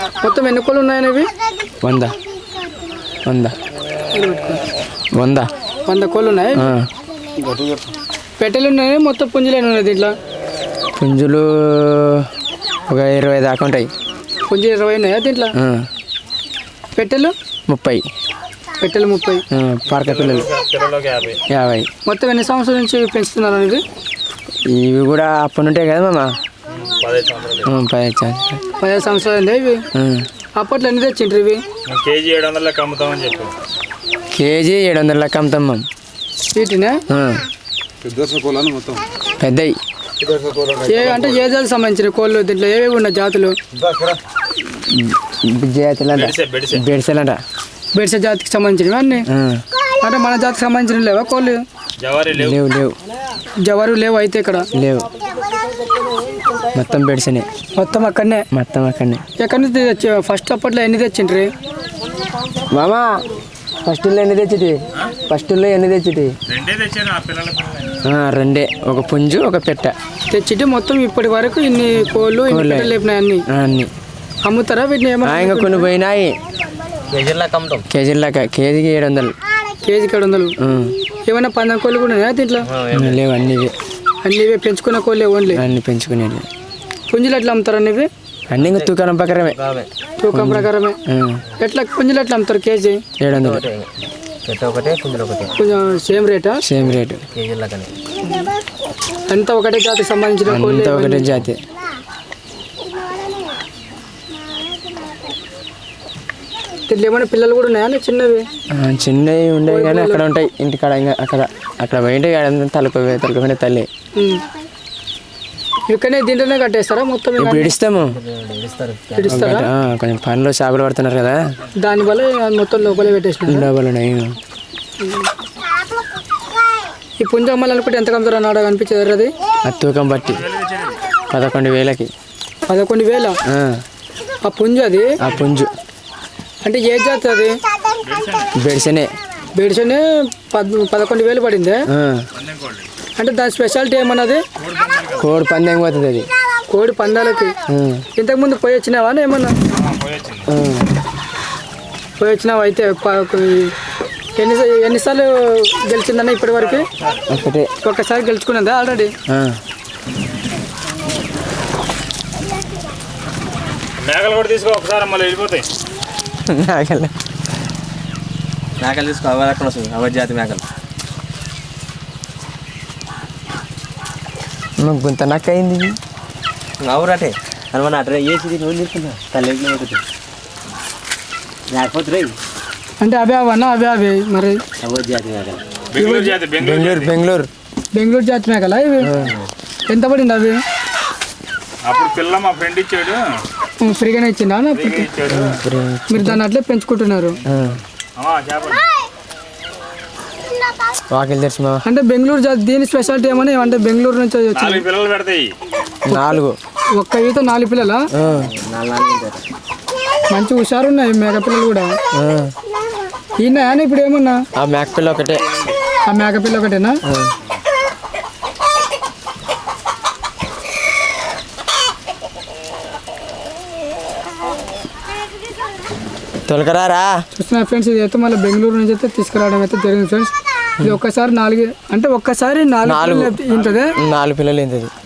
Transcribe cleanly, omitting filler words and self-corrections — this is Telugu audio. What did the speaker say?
మొత్తం ఎన్ని కోళ్ళు ఉన్నాయని ఇవి? 100 కోళ్ళు ఉన్నాయి. పెట్టెలు ఉన్నాయి, మొత్తం పుంజులు ఎన్ని ఉన్నాయి దీంట్లో? పుంజులు ఒక 20 దాకా ఉంటాయి. పుంజులు 20 ఉన్నాయా దీంట్లో? పెట్టెలు 30. పెట్టెలు 30. పార్క పిల్లలు 50. మొత్తం ఎన్ని సంవత్సరాల నుంచి పెంచుతున్నారు ఇది? ఇవి కూడా అప్పటి ఉంటాయి కదా మామ. 15 సంవత్సరాలు అండి ఇవి. అప్పట్లో ఎన్ని తెచ్చిండ్రు ఇవి? కేజీ 700 లెక్క అమ్ముతామని చెప్పు. కేజీ 700 లెక్క అమ్ముతాం మేము. వీటినే పెద్దవి అంటే ఏ జాతికి సంబంధించిన కోళ్ళు దీంట్లో ఏవేవి ఉన్నాయి జాతులు? బెడ్సెలంట. బెడ్సె జాతికి సంబంధించినవి అన్నీ. అంటే మన జాతికి సంబంధించిన లేవా కోళ్ళు? లేవు. జవారు లేవు అయితే ఇక్కడ లేవు. మొత్తం బెడ్సనే. మొత్తం అక్కడనే. ఎక్కడి నుంచి తెచ్చి ఫస్ట్ అప్పట్లో ఎన్ని తెచ్చిండ్రి మామా? ఫస్ట్ ఎన్ని తెచ్చిటి? రెండే, ఒక పుంజు ఒక పెట్ట తెచ్చిటి. మొత్తం ఇప్పటి వరకు ఇన్ని కోళ్ళు లేపినాయి అన్ని. అమ్ముతారా వీటిని? ఏమన్నా ఇంకా కొన్ని పోయినాయి. కేజీలక కేజీకి 700. కేజీకి 700. ఏమైనా 15 కోళ్ళు కూడా ఉన్నాయా దీంట్లో? లేవు, అన్ని పెంచుకున్న కోళ్ళే ఓన్లీ. అన్ని పెంచుకునేది. పుంజులు ఎట్లా అమ్ముతారు అన్ని? అన్ని ఇంకా తూకం ప్రకారమే. ఎట్లా పుంజులు ఎట్లా అమ్ముతారు? కేజీ 700. కొంచెం సేమ్ రేటా? Same rate. అంతా ఒకటే జాతికి సంబంధించిన కోళ్ళు? అంతా ఒకటే జాతి. దీంట్లో ఏమైనా పిల్లలు కూడా ఉన్నాయా చిన్నవి? చిన్నవి ఉండేవి కానీ అక్కడ ఉంటాయి ఇంటికాడ. ఇంకా అక్కడ పోయింటే తలుపుకునే తల్లి. ఇక్కడనే దీంట్లోనే కట్టేస్తారా మొత్తం? ఇప్పుడు ఇడిస్తాము. కొంచెం పనిలో చేపలు పడుతున్నారు కదా, దానివల్ల మొత్తం లోపలే పెట్టేసిన. లోపల ఈ పుంజ అమ్మాలనుకుంటే ఎంత కమ్ముతారు అన్నాడు అనిపించేది అది? అది తూకం బట్టి 11,000. 11,000 ఆ పుంజు? అది ఆ పుంజు అంటే ఏ జాతి అది? బెడ్సనే 11,000 పడిందే. అంటే దాని స్పెషాలిటీ ఏమన్నది? కోడి పందెం పోతుంది అది. కోడి పందాలకి ఇంతకుముందు పోయి వచ్చినావా ఏమన్నా? పోయి వచ్చినావా? అయితే ఎన్నిసార్లు గెలిచిందన్న ఇప్పటి వరకు? ఒక్కసారి గెలుచుకున్నదా ఆల్రెడీ? మేకలు కూడా తీసుకో ఒకసారి, మళ్ళీ వెళ్ళిపోతాయి. మేకలు తీసుకో, అవర్ జాతి మేకలు. గుంత నక్క అయింది. అవురటే అనమాట. అట్లా వేసి నువ్వు తీసుకున్నా తల్లి లేకపోతే అంటే అవన్నా అవే మరి బెంగళూరు జాతి మేకలా ఇవి? ఎంత పడింది అవి? అప్పుడు పిల్ల మా ఫ్రెండ్ ఇచ్చాడు, ఫ్రీగానే ఇచ్చిందా? మీరు దాన్ని అట్లే పెంచుకుంటున్నారు? వాకిలు తెచ్చి అంటే బెంగళూరు జాతి దీని స్పెషాలిటీ ఏమని? అంటే బెంగళూరు నుంచి పిల్లలు పెడతాయి. 4 ఒక్క ఈత 4 పిల్లలా? మంచి హుషారు ఉన్నాయి మేక పిల్లలు కూడా. ఈయన ఇప్పుడు ఏమన్నా? ఆ మేక పిల్ల ఒకటే. ఆ మేక పిల్ల ఒకటేనా? తొలకరారా చూస్తున్నా ఫ్రెండ్స్. ఇది అయితే మళ్ళీ బెంగళూరు నుంచి అయితే తీసుకురావడం అయితే జరిగింది ఫ్రెండ్స్. ఇది ఒక్కసారి 4 అంటే ఒక్కసారి 4 పిల్లలు ఏంటది? 4 పిల్లలు ఏంటది?